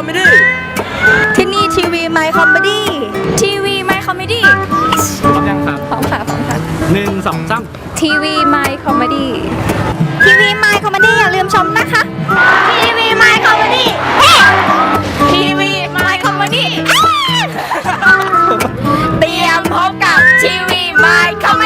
มดี้ที่นี่ทีวีไมค์คอมเมดี้ทีวีไมค์คอมเมดี้พร้อมยังครับพร้อมค่ะพร้อมค่ะ 1 2 3 ทีวีไมค์คอมเมดี้ทีวีไมค์คอมเมดี้อย่าลืมชมนะคะทีวีไมค์คอมเมดี้ทีวีไมค์คอมเมดี้เตรียมพบกับทีวีไมค์คอมเม